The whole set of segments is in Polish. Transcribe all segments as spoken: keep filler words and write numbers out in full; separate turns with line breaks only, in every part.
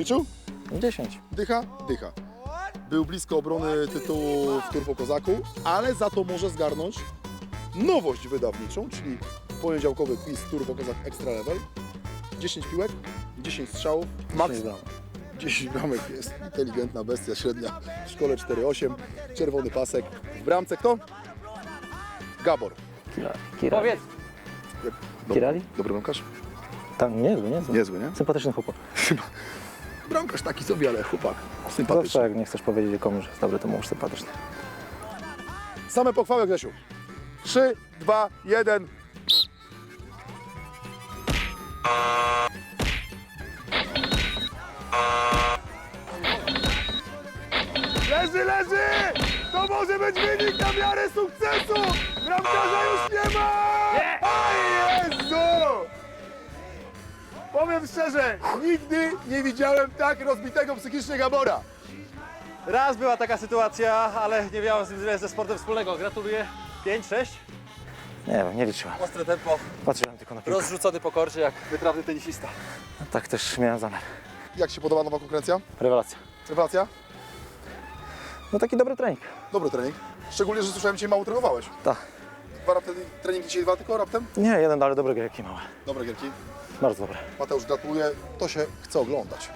Liczył?
dziesięć.
Dycha? Dycha. Był blisko obrony tytułu w Turbo Kozaku, ale za to może zgarnąć nowość wydawniczą, czyli poniedziałkowy quiz Turbo Kozak Extra Level. dziesięć piłek, dziesięć strzałów, max dziesięć bramek. Jest inteligentna bestia, średnia w szkole cztery osiem, czerwony pasek. W bramce kto? Gabor.
Kirali. Kirali.
Powiedz.
Dobry,
Kirali?
dobry bramkarz?
Tam niezły, niezły.
Niezły, nie?
Sympatyczny chłopak.
Bramkarz taki sobie, ale chłopak
Zawsze
sympatyczny.
jak nie chcesz powiedzieć komuś, że jest dobry, to mówisz sympatyczny.
Same pochwały, Grzesiu. trzy, dwa, jeden. Leży, leży! To może być wynik na miarę sukcesu! Bramkarza już nie ma! O Jezu! Powiem szczerze, nigdy nie widziałem tak rozbitego psychicznie Gabora.
Raz była taka sytuacja, ale nie miałem z nim wiele ze sportem wspólnego. Gratuluję. pięć sześć.
Nie wiem, nie liczyłem.
Ostre tempo,
Patrzyłem tylko na piłkę.
rozrzucony po korcie jak wytrawny tenisista.
Tak też miałem zamiar.
Jak się podoba nowa konkurencja?
Rewelacja.
Rewelacja?
No taki dobry trening.
Dobry trening. Szczególnie, że słyszałem, dzisiaj mało trenowałeś.
Tak.
Dwa raptem, treningi dzisiaj dwa tylko raptem?
Nie, jeden, ale dobre gierki małe.
Dobre gierki.
Bardzo dobre.
Mateusz, gratuluję. To się chce oglądać.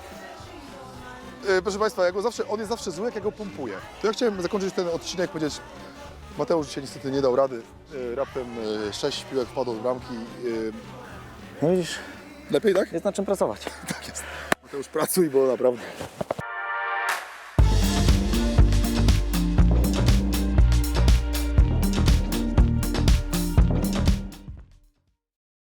Yy, proszę Państwa, jak go zawsze, on jest zawsze zły, jak ja go pompuję. To ja chciałem zakończyć ten odcinek, powiedzieć, Mateusz dzisiaj niestety nie dał rady. Yy, raptem yy, sześć piłek wpadło do bramki. Yy,
No widzisz,
lepiej, tak?
jest nad czym pracować.
Tak jest. Mateusz, pracuj, bo naprawdę